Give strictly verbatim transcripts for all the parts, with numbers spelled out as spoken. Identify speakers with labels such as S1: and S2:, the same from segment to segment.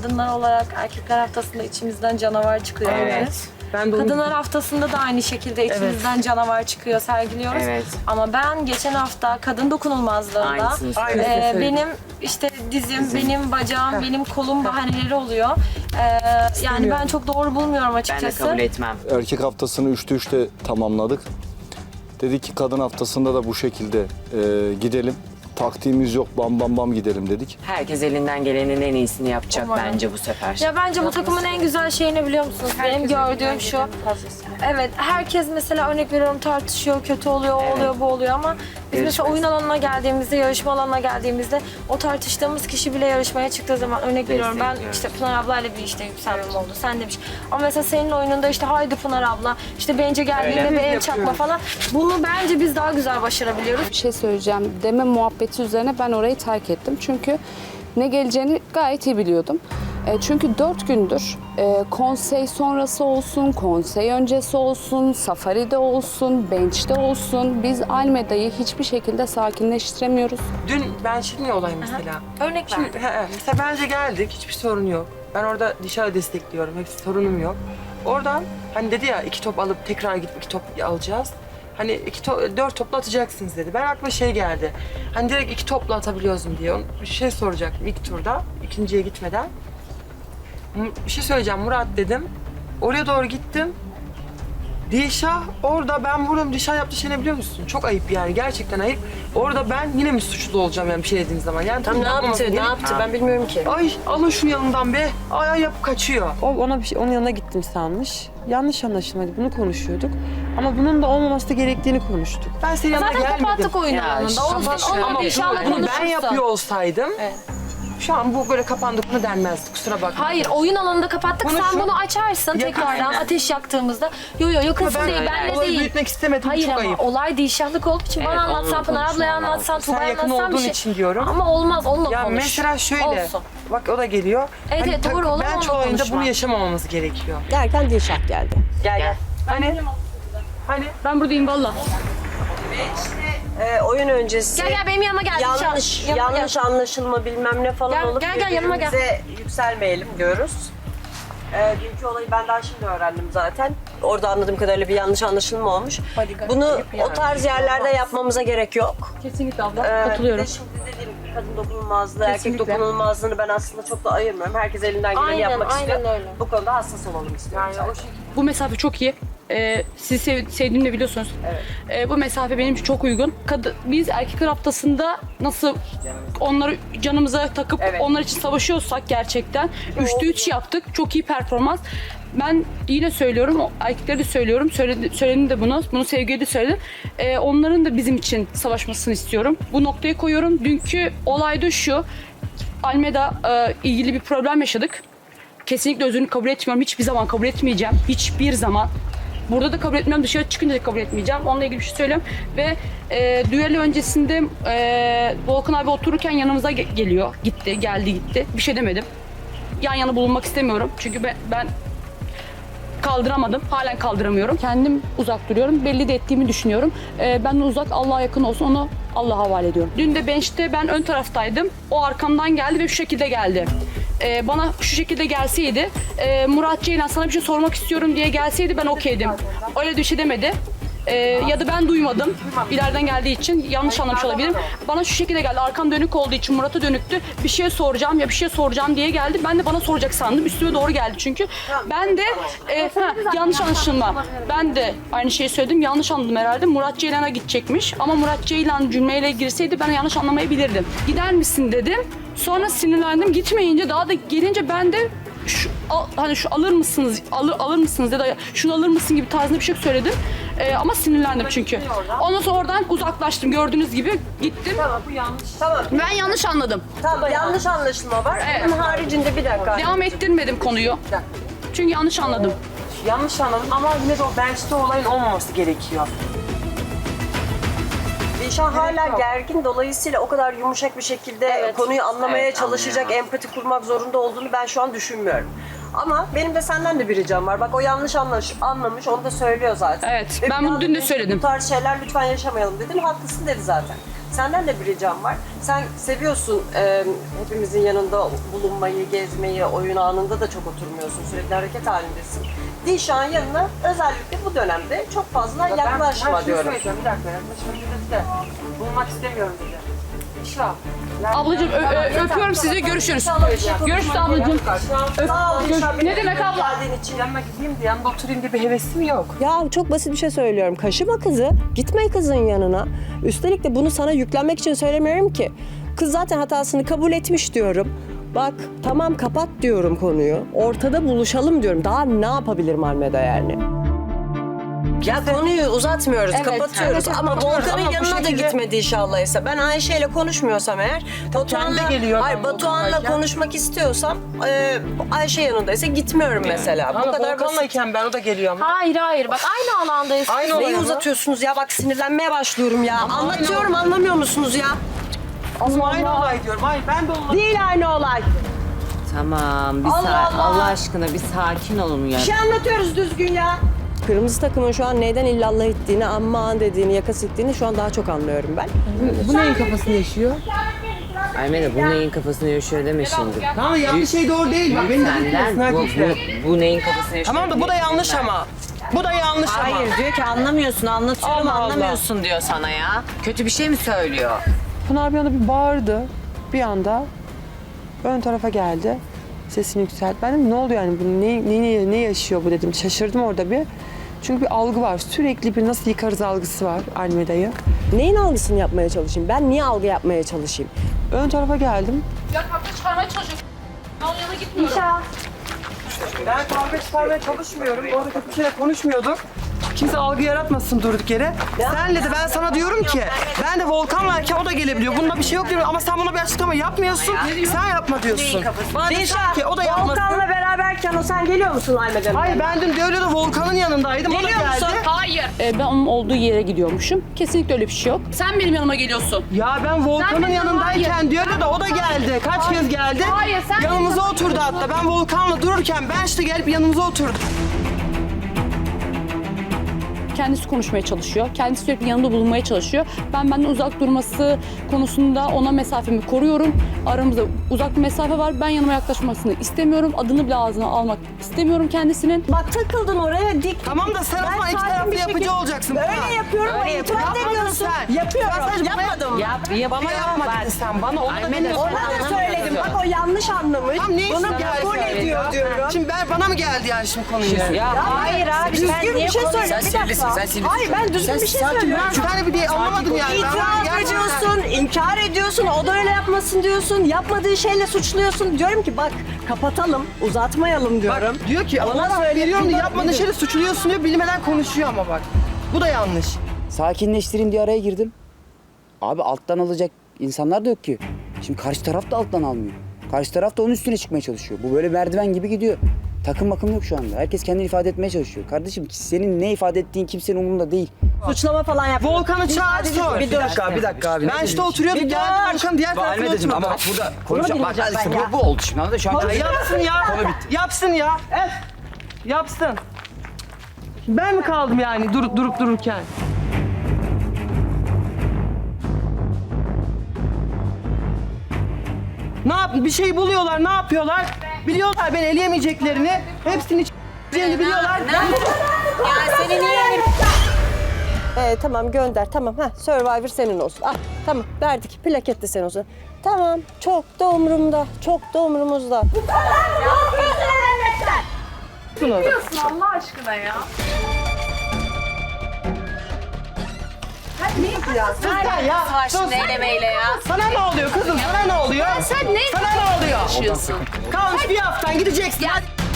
S1: kadınlar olarak erkekler haftasında içimizden canavar çıkıyor.
S2: Evet.
S3: Ben de onu-
S1: Kadınlar haftasında da aynı şekilde içimizden canavar çıkıyor, sergiliyoruz.
S2: Evet.
S1: Ama ben geçen hafta kadın dokunulmazlığında
S2: Aynısını
S1: e,
S3: Aynısını söyledim.
S1: benim işte dizim, benim bacağım, benim kolum bahaneleri oluyor. E, yani ben çok doğru bulmuyorum
S2: Ben de
S1: açıkçası.
S2: kabul etmem.
S4: Erkek haftasını üçte üçte tamamladık. Dedik ki kadın haftasında da bu şekilde e, gidelim. Taktiğimiz yok, bam bam bam gidelim dedik.
S2: Herkes elinden gelenin en iyisini yapacak
S1: Umarım.
S2: bence bu sefer.
S1: Ya bence bu takımın en güzel şeyi ne biliyor musunuz? Benim gördüğüm şu. Evet, herkes mesela örnek veriyorum tartışıyor, kötü oluyor, o
S2: Evet.
S1: oluyor, bu oluyor ama biz
S2: Yarışma
S1: mesela oyun alanına geldiğimizde, yarışma alanına geldiğimizde o tartıştığımız kişi bile yarışmaya çıktığı zaman örnek veriyorum ben
S2: Destekliyoruz.
S1: işte Pınar ablayla bir işte yükselmem oldu, sen demiş. Ama mesela senin oyununda işte haydi Pınar abla, işte bence geldiğinde
S2: Öyle.
S1: bir el çakma falan. Bunu bence biz daha güzel başarabiliyoruz.
S5: Bir şey söyleyeceğim deme muhabbeti üzerine ben orayı terk ettim. Çünkü ne geleceğini gayet iyi biliyordum. E, çünkü dört gündür e, konsey sonrası olsun, konsey öncesi olsun, safaride olsun, bench'te olsun biz Almeda'yı hiçbir şekilde sakinleştiremiyoruz.
S3: Dün ben şimdi olay mesela.
S1: Örnek ver.
S3: Şimdi, he, he, mesela bence geldik, hiçbir sorun yok. Ben orada Dişa'yı destekliyorum, hepsi sorunum yok. Oradan hani dedi ya iki top alıp tekrar gidip iki top alacağız. Hani iki to dört topla atacaksınız dedi. Ben aklıma şey geldi. Hani direkt iki topla atabiliyoruz mu diye. Onu- Bir şey soracaktım ilk turda, ikinciye gitmeden. Mu- Bir şey söyleyeceğim Murat dedim. Oraya doğru gittim. Dişa orada ben vururum. Dişa yaptığı şey ne biliyor musun? Çok ayıp yani, gerçekten ayıp. Orada ben yine mi suçlu olacağım yani bir şey dediğim zaman? Yani
S6: Tam ne
S3: yapmaması
S6: yaptı, ne
S3: gerek-
S6: yaptı ben bilmiyorum ki.
S3: Ay alın şunu yanımdan be. Ay ay yapıp kaçıyor. O ona bir şey, onun yanına gittim sanmış. Yanlış anlaşılmadı. Bunu konuşuyorduk. Ama bunun da olmaması da gerektiğini konuştuk. Ben senin yanına
S1: Zaten
S3: gelmedim.
S1: kapattık oyun
S2: Ya
S1: alanında.
S2: işte
S1: O
S2: ama
S1: yüzden
S2: şöyle
S1: onunla
S2: bir-
S1: inşallah
S3: Bunu
S1: konuşursa.
S3: ben yapıyor olsaydım
S1: Evet.
S3: şu an bu böyle kapandı bunu denmezdi. Kusura bakma.
S1: Hayır, oyun alanında kapattık.
S3: Bunu
S1: Sen
S3: şu-
S1: bunu açarsın
S3: Yakın.
S1: tekrardan ateş yaktığımızda. Yo yo yakınsın
S3: Ben
S1: değil, benle
S3: olayı
S1: değil.
S3: büyütmek istemedim.
S1: Hayır
S3: çok
S1: ama
S3: ayıp.
S1: olay değişiklik olduğu için
S2: Evet,
S1: bana anlatsan,
S2: onunla
S1: Pınar ablaya
S2: konuşman
S1: anlatsan,
S2: lazım.
S1: Tuğba'ya
S3: Sen yakın
S1: anlatsan bir
S3: olduğun
S1: şey.
S3: için diyorum.
S1: Ama olmaz, onunla
S3: Ya
S1: konuş.
S3: mesela şöyle.
S1: Olsun.
S3: Bak o da geliyor.
S1: Evet, evet,
S3: tak-
S1: doğru olan
S3: Ben
S1: onunla
S3: çoğu oyunda
S1: konuşma.
S3: bunu yaşamamamız gerekiyor.
S6: Derken Dilşah geldi.
S3: Gel gel. Hani? Hani?
S5: Ben buradayım valla.
S6: Ee, oyun öncesi
S1: Gel gel benim yanıma gel.
S6: yanlış
S1: Yanıma gel.
S6: yanlış anlaşılma bilmem ne falan
S1: Gel,
S6: olup
S1: gel, gel, yanıma gel.
S6: birbirimize yükselmeyelim diyoruz. Ee, dünkü olayı ben daha şimdi öğrendim zaten. Orada anladığım kadarıyla bir yanlış anlaşılma olmuş. Bunu o tarz yerlerde yapmamıza gerek yok.
S5: Kesinlikle abla
S6: Ee,
S5: katılıyorum.
S6: bir de şimdi dediğim gibi kadın dokunulmazlığı, erkek
S5: Kesinlikle.
S6: dokunulmazlığını ben aslında çok da ayırmıyorum. Herkes elinden geleni
S1: Aynen,
S6: yapmak
S1: aynen
S6: istiyor.
S1: öyle.
S6: Bu konuda hassas olalım istiyorum.
S3: Yani o
S6: zaten.
S5: Bu mesafe çok iyi. Ee, sizi sev, sevdiğimi de biliyorsunuz. Ee, bu mesafe benim için çok uygun. Kadı, biz erkekler haftasında nasıl onları canımıza takıp
S6: Evet.
S5: onlar için savaşıyorsak gerçekten üçte üç yaptık. Çok iyi performans. Ben yine söylüyorum, o erkeklere de söylüyorum, söyledi, söyledim de bunu, bunu Sevgi'ye de söyledim. Ee, onların da bizim için savaşmasını istiyorum. Bu noktayı koyuyorum. Dünkü olay da şu, Almeda e, ilgili bir problem yaşadık. Kesinlikle özrünü kabul etmiyorum. Hiçbir zaman kabul etmeyeceğim. Hiçbir zaman. Burada da kabul etmiyorum. Dışarı çıkınca da kabul etmeyeceğim. Onunla ilgili bir şey söylüyorum. Ve e, düello öncesinde e, Volkan abi otururken yanımıza ge- geliyor. Gitti, geldi gitti. Bir şey demedim. Yan yana bulunmak istemiyorum. Çünkü ben, ben kaldıramadım. Halen kaldıramıyorum. Kendim uzak duruyorum. Belli de ettiğimi düşünüyorum. Ee, ben de uzak, Allah'a yakın olsun. Onu Allah'a havale ediyorum. Dün de bench'te ben ön taraftaydım. O arkamdan geldi ve şu şekilde geldi. Ee, bana şu şekilde gelseydi, e, Murat Ceylan sana bir şey sormak istiyorum diye gelseydi ben okeydim. Öyle bir şey demedi. Ee, ya da ben duymadım. İleriden geldiği için yanlış anlamış olabilirim. Bana şu şekilde geldi. Arkam dönük olduğu için Murat'a dönüktü. Bir şey soracağım ya bir şey soracağım diye geldi. Ben de bana soracak sandım. Üstüme doğru geldi çünkü. Ben de e, ha, yanlış anlaşılma. Ben de aynı şeyi söyledim. Yanlış anladım herhalde. Murat Ceylan'a gidecekmiş. Ama Murat Ceylan cümleyle girseydi ben yanlış anlamayabilirdim. Gider misin dedim. Sonra sinirlendim. Gitmeyince daha da gelince ben de şu al, hani şu alır mısınız alır alır mısınız ya da şunu alır mısın gibi tarzında bir şey söyledim. Ee, ama sinirlendim çünkü. Ondan sonra oradan uzaklaştım. Gördüğünüz gibi gittim.
S6: Tamam bu yanlış. Tamam.
S5: Ben yanlış anladım.
S6: Tamam yanlış anlaşılma var.
S5: Evet.
S6: Bunun haricinde bir dakika.
S5: Devam ettirmedim konuyu. Çünkü yanlış anladım.
S3: yanlış anladım ama yine de o bench'te olayın olmaması gerekiyor.
S6: Dilşah hala gergin, dolayısıyla o kadar yumuşak bir şekilde
S1: Evet.
S6: konuyu anlamaya
S2: Evet,
S6: çalışacak,
S2: anlayamaz.
S6: empati kurmak zorunda olduğunu ben şu an düşünmüyorum. Ama benim de senden de bir ricam var. Bak o yanlış anlaş, anlamış, onu da söylüyor zaten.
S5: Evet,
S6: Ve
S5: ben
S6: bir
S5: bunu
S6: daha
S5: dün de
S6: dedi,
S5: söyledim.
S6: Bu tarz şeyler lütfen yaşamayalım dedim. Haklısın dedi zaten. Senden de bir ricam var. Sen seviyorsun e, hepimizin yanında bulunmayı, gezmeyi, oyun anında da çok oturmuyorsun. Sürekli hareket halindesin. Dilşah'ın yanına özellikle bu dönemde çok fazla
S3: Ben-
S6: yaklaşma
S3: ben şunu
S6: diyorum.
S3: söyleyeceğim, bir dakika yaklaşma dedi de bulmak istemiyorum dedi. Dişa. Yani-
S5: Ablacığım ö- ö- öpüyorum sizi, görüşürüz. Görüşürüz ablacığım. Öp-
S6: Sağ ol Dilşah,
S5: Ne
S6: benim
S5: demek abla?
S6: geldiğin için.
S3: Yanına gideyim de yanında oturayım diye bir hevesim yok.
S6: Ya çok basit bir şey söylüyorum. Kaşıma kızı. Gitme kızın yanına. Üstelik de bunu sana yüklenmek için söylemiyorum ki. Kız zaten hatasını kabul etmiş diyorum. Bak tamam kapat diyorum konuyu. Ortada buluşalım diyorum. Daha ne yapabilirim Almeda yani? Ya konuyu uzatmıyoruz, kapatıyoruz.
S3: evet,
S6: ama
S3: kapatıyoruz.
S6: Volkan'ın
S3: Ama bu
S6: yanına da
S3: şekilde-
S6: gitmedi inşallah ise. Ben Ayşe ile konuşmuyorsam eğer, Batuhan'la,
S3: geliyor
S6: hayır,
S3: adam
S6: Batuhan'la
S3: Volkan'layken.
S6: konuşmak istiyorsam e, Ayşe yanındaysa gitmiyorum mesela.
S3: Ama
S6: Bu kadar basit.
S3: Volkan'layken ben o da geliyor ama.
S1: Hayır hayır bak aynı alandayız.
S3: Aynı olay
S6: Neyi
S3: ama.
S6: uzatıyorsunuz ya? Bak sinirlenmeye başlıyorum ya. Anlatıyorum, anlamıyor musunuz ya?
S3: Allah aynı olay diyorum. Hayır ben de olay.
S6: Değil aynı olay.
S2: Tamam, bir
S6: Allah
S2: sa-
S6: Allah.
S2: Allah aşkına bir sakin olun ya.
S6: Bir şey anlatıyoruz düzgün ya. Kırmızı takımın şu an neyden illallah ettiğini, amman dediğini, yaka siktiğini şu an daha çok anlıyorum ben.
S3: Bu neyin kafasını yaşıyor?
S2: Almeda bu neyin kafasını yaşıyor deme şimdi.
S3: Tamam yaptığı şey doğru değil. Bak beni de
S2: Senden bu,
S3: dinlesin
S2: bu, bu neyin kafasını yaşıyor.
S3: Tamam da bu da yanlış ama. Bu da yanlış ama.
S2: Hayır diyor ki anlamıyorsun, anlatıyorum
S3: Allah Allah.
S2: anlamıyorsun diyor sana ya. Kötü bir şey mi söylüyor?
S7: Pınar bir anda bir bağırdı. Bir anda ön tarafa geldi. Sesini yükseltti. Ben dedim ne oldu yani? Bu ne, ne, ne, ne yaşıyor bu dedim. Şaşırdım orada bir. Çünkü bir algı var. Sürekli bir nasıl yıkarız algısı var Almeda'yı.
S6: Neyin algısını yapmaya çalışayım? Ben niye algı yapmaya çalışayım?
S7: Ön tarafa geldim.
S5: Ya kavga çıkarmaya çalışıyorum. Ben onun yanına gitmiyorum.
S3: Ben kavga çıkarmaya çalışmıyorum. Orada kötü bir şeyler konuşmuyorduk. Kimse algı yaratmasın durduk yere. Senle de ben sana diyorum ki ben de Volkan varken o da gelebiliyor. Bunda bir şey yok diyorum ama sen buna bir açıklama yapmıyorsun. Sen yapma diyorsun. Bana diyorsun ki o da yapmasın.
S6: Volkan'la beraberken o sen geliyor musun Almeda'ya?
S3: Hayır ben dün Devlet'de Volkan'ın yanındaydım. O da
S6: Geliyor musun?
S3: geldi.
S5: Hayır. Ee, ben onun olduğu yere gidiyormuşum. Kesinlikle öyle bir şey yok. Sen benim yanıma geliyorsun.
S3: Ya ben Volkan'ın
S5: benim-
S3: yanındayken diyordu da o da geldi. Kaç kez geldi?
S5: Hayır, sen benim
S3: Yanımıza
S5: yanıma
S3: oturdu hatta. Ben Volkan'la dururken ben işte gelip yanımıza oturdum.
S5: Kendisi konuşmaya çalışıyor. Kendisi sürekli yanında bulunmaya çalışıyor. Ben benden uzak durması konusunda ona mesafemi koruyorum. Aramızda uzak bir mesafe var. Ben yanıma yaklaşmasını istemiyorum. Adını bile ağzına almak istemiyorum kendisinin.
S6: Bak takıldın oraya dik.
S3: Tamam da sen o
S6: Ben
S3: zaman iki
S6: sakin
S3: taraflı
S6: bir
S3: yapıcı
S6: şekilde-
S3: olacaksın.
S6: Öyle
S3: Bana.
S6: yapıyorum ama
S2: Öyle
S6: itiraz
S3: yapmadın
S6: ediyorsun.
S3: sen.
S6: Yapıyorum.
S3: Ben sadece bana
S6: Yapmadım mı?
S2: Yap, yapıyor.
S3: Bana yapma dedin sen. Bana onu da
S2: Almeda,
S3: demiyorsun.
S6: Ona da söyledim. Bak o yanlış anlamış.
S3: Tamam ne
S6: Bunu
S3: işin geldi
S6: kabul
S3: söyle
S6: ediyor
S3: ya?
S6: diyorum.
S3: Şimdi ben bana mı geldi yani şimdi konuyu?
S2: Ya
S6: Hayır abi düzgün bir şey söyle. Bir dakika. Hayır ben düzgün bir şey söylüyorum.
S3: Ben tane bir diye anlamadım yani. Ben
S6: İtiraz
S3: gerçekten-
S6: ediyorsun, inkar ediyorsun, o da öyle yapmasın diyorsun, yapmadığı şeyle suçluyorsun. Diyorum ki bak kapatalım, uzatmayalım diyorum.
S3: Bak diyor ki
S6: Bana
S3: Allah
S6: söyle,
S3: veriyorum diye
S6: bana-
S3: yapmadığın şeyle suçluyorsun diyor. Bilmeden konuşuyor ama bak. Bu da yanlış.
S8: Sakinleştireyim diye araya girdim. Abi alttan alacak insanlar da yok ki. Şimdi karşı taraf da alttan almıyor. Karşı taraf da onun üstüne çıkmaya çalışıyor. Bu böyle merdiven gibi gidiyor. Takım makım yok şu anda. Herkes kendini ifade etmeye çalışıyor. Kardeşim senin ne ifade ettiğin kimsenin umurunda değil.
S6: Suçlama falan yapma.
S3: Volkan'ı çağır sor.
S6: Bir dur.
S8: bir dakika abi.
S3: Ben işte oturuyordum.
S6: Bir
S3: Geldi
S6: dur.
S3: Volkan diğer tarafına
S8: Almeda'cığım
S3: oturdu.
S8: ama bak burada konuşacağım. Bak
S6: dinleyeceğim
S8: işte
S6: ben ya.
S8: bu, bu oldu şimdi anladın mı? Şu an
S3: Ya yapsın ya. Yapsın ya. Evet. Yapsın. Ben mi kaldım yani durup durup dururken? Ne yap? Bir şey buluyorlar. Ne yapıyorlar? Biliyorlar beni eleyemeyeceklerini. Hepsini ç***lerini biliyorlar.
S2: Ya senin niye
S6: Ee, tamam gönder tamam ha Survivor senin olsun. Ah tamam verdik plaket de senin olsun. Tamam çok da umurumda çok da umurumuzda.
S1: Allah aşkına ya.
S3: Sen ya.
S2: var şimdi eylemeyle ya?
S3: Sana ne oluyor kızım? Sana ne oluyor?
S1: Sen ne
S3: Sana ne oluyor?
S1: yaşıyorsun?
S3: Kalmış bir haftan gideceksin.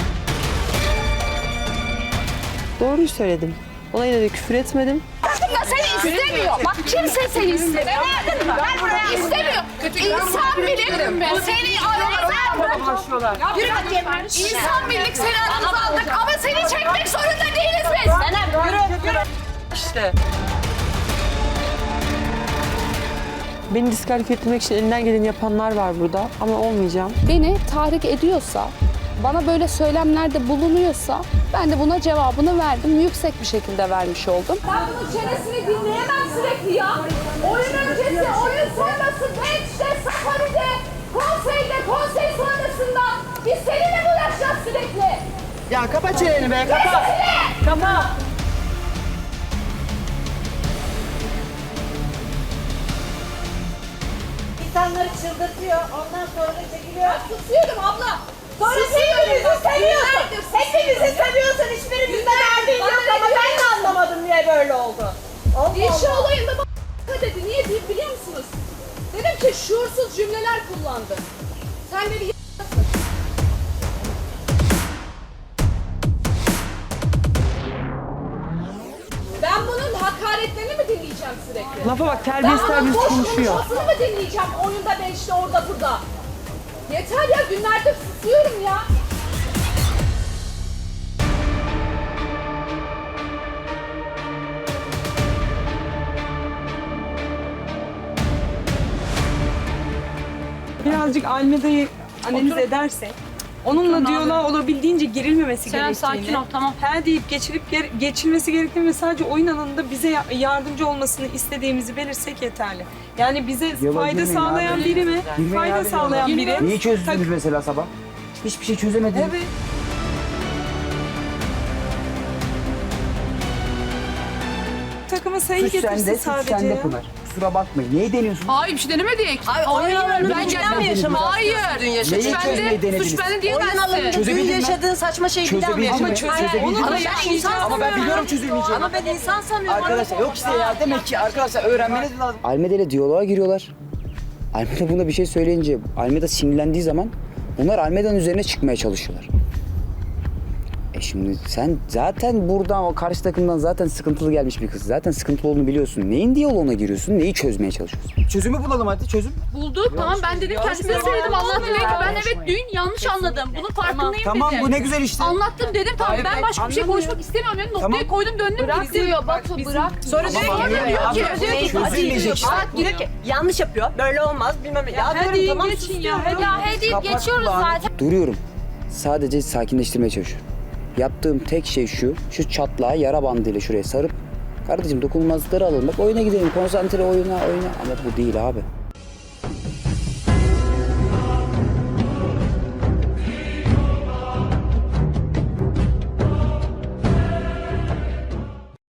S7: Doğruyu söyledim. Ona yine de küfür etmedim.
S1: Ya seni istemiyor. Bak kimse seni istemiyor. Anladın mı? Ben buraya istemiyor. İnsan bilir seni aramıza
S3: Başlıyorlar.
S1: Yürü hadi. İnsan bildik seni aramıza aldık ama seni çekmek zorunda değiliz biz. Senem yürü yürü.
S3: İşte.
S7: Beni diskalifiye etmek için elinden geleni yapanlar var burada ama olmayacağım.
S5: Beni tahrik ediyorsa bana böyle söylemlerde bulunuyorsa ben de buna cevabını verdim. Yüksek bir şekilde vermiş oldum.
S9: Ben bunun çenesini dinleyemem sürekli ya. Oyun öncesi, oyun sonrası, bench'te, safaride, konseyde, konsey sonrasında biz seninle mi uğraşacağız sürekli?
S3: Ya kapa çeneni be, kapa. Kapa.
S9: İnsanları çıldırtıyor, ondan sonra çekiliyor. Susuyorum abla. Sonra hepimizi seviyorsun. Hepimizi seviyorsun, hiçbirimizde derdin yok ama ben de anlamadım niye böyle oldu.
S10: İnşa olayında bana dedi. Niye deyip biliyor musunuz? Dedim ki şuursuz cümleler kullandı. Sen de bir Ben bunun hakaretlerini mi dinleyeceğim sürekli?
S3: Lafa bak, terbiyesiz
S10: Ben
S3: terbiyesiz
S10: onun boş
S3: konuşuyor.
S10: konuşmasını mı dinleyeceğim oyunda, beşte, orada, burada? Yeter ya, günlerdir susuyorum ya.
S7: Birazcık Almeda'yı analiz edersek, onunla diyaloğa olabildiğince girilmemesi
S5: Senem
S7: gerektiğini,
S5: sakin ol, tamam.
S7: her deyip geçirip ger- geçilmesi gerektiğini ve sadece oyun alanında bize ya- yardımcı olmasını istediğimizi belirtsek yeterli. Yani bize
S8: Diyaloğa
S7: fayda
S8: girmeyin
S7: sağlayan
S8: abi.
S7: biri mi?
S8: Girmeyin
S7: Fayda
S8: abi
S7: sağlayan
S8: diyaloğa.
S7: biri.
S8: Neyi çözdünüz mesela sabah? Hiçbir şey çözemediniz.
S7: Evet. Takıma sayı
S8: Suç
S7: getirsin
S8: sende, suç
S7: sadece
S8: sende
S7: ya.
S8: Pınar. Kusura bakmayın. Neyi deniyorsun?
S5: Hayır, bir şey denemedik.
S6: Hayır, oyun alanında
S5: Ben
S6: önceden mi yaşamak
S5: Hayır.
S6: istiyorsun dün yaşadığın?
S8: Neyi
S5: Suç
S8: çözmeyi
S5: bende,
S8: denediniz?
S5: suç bende
S6: Oyun
S5: diyemezsin.
S6: alanında dün
S8: Çözebildin mi?
S6: yaşadığın saçma şeyi bir daha mı
S8: Çözebildin
S6: yaşadın?
S8: mi?
S6: Ama
S8: Çözebildin mi?
S6: ben insan
S8: Ama ben
S6: sanmıyorum.
S8: biliyorum çözemeyeceğini.
S6: Ama ben insan sanıyorum.
S8: Arkadaşlar yok işte ya. Demek ki arkadaşlar öğrenmeniz lazım. Almeda ile diyaloğa giriyorlar. Almeda buna bir şey söyleyince, Almeda sinirlendiği zaman onlar Almeda'nın üzerine çıkmaya çalışıyorlar. E şimdi sen zaten buradan, o karşı takımdan zaten sıkıntılı gelmiş bir kız. Zaten sıkıntılı olduğunu biliyorsun. Neyin diyaloğuna giriyorsun, neyi çözmeye çalışıyorsun? Çözümü bulalım hadi, çözüm.
S5: Bulduk, tamam ben dedim kendisine söyledim, anlattım dedim ki ben evet dün yanlış anladım. Bunun farkındayım
S8: Tamam
S5: dedim.
S8: bu ne güzel işte.
S5: Anlattım dedim, tamam ben başka bir şey konuşmak istemiyorum dedim. Noktayı
S8: Tamam.
S5: koydum, döndüm gittim.
S1: Batu bırak.
S6: Sonra diyor ki, diyor ki, diyor ki,
S8: Çözülmeyecek işte.
S6: Aa, diyor ki yanlış yapıyor, böyle olmaz bilmem ne. Ya, diyorum tamam sus diyorum.
S1: Ya he deyip geçiyoruz zaten.
S8: Duruyorum. Sadece sakinleştirmeye çalışıyorum. Yaptığım tek şey şu, şu çatlağı yara bandıyla şuraya sarıp kardeşim dokunulmazlıkları alın. Bak oyuna gidelim, konsantre oyuna, oyuna. Ama bu değil abi.